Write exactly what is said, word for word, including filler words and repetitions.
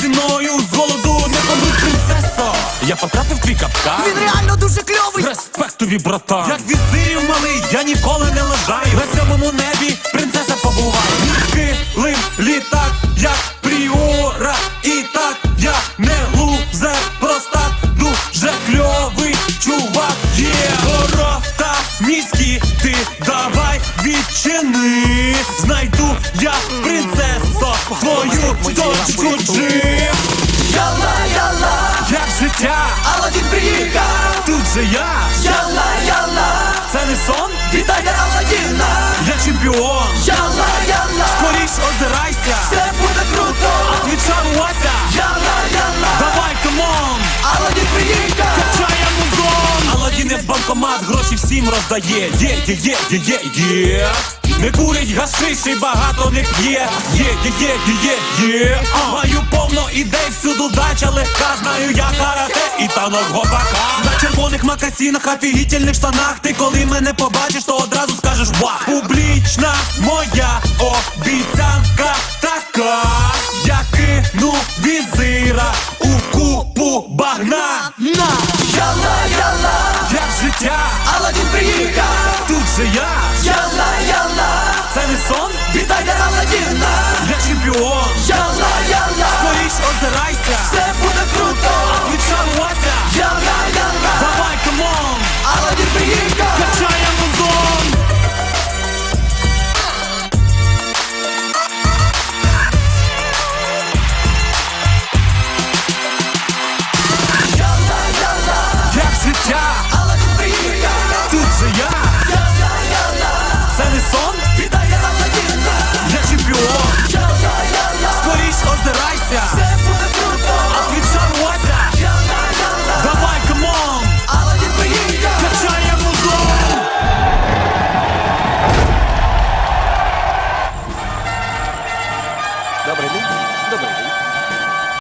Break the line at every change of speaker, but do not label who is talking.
мною з голоду не помруть, принцесо. Я потрапив твій капкан.
Він реально дуже кльовий.
Респект тобі, братан. Як візирів малий, я ніколи не лежаю. На сьомому небі принцеса побуває. Килим літак, як пріора. І так я не лузер, просто дуже кльовий чувак. Є ворота міські, ти давай відчини. Знайду я, принцесо, твою дочку Джим.
Яла, яла,
Як життя,
Аладдін приїхав.
тут же я.
Яла, яла,
Це не сон,
вітайте Аладдіна.
я чемпіон.
Яла, яла,
Скоріш озирайся,
все буде круто.
відчарувайся.
Яла, яла,
Давай, камон,
Аладдін приїхав.
чая музон. Аладдін в банкомат гроші всім роздає. Є, є, є, є, є, є. Не курять гашиш і багато не п'є. Є, є, є, є, є, є. Маю повно ідей, всюду дача легка. Знаю я карате і танок гопака. На червоних макасінах, офігітельних штанах. Ти коли мене побачиш, то одразу скажеш вах. Публічна моя обіцянка така. Я кину візира у купу багна.
На, яла, яла,
Як життя,
Аладдін приїхав.
тут же я.
Яла, яла,
Це не сон,
вітайте Аладдіна.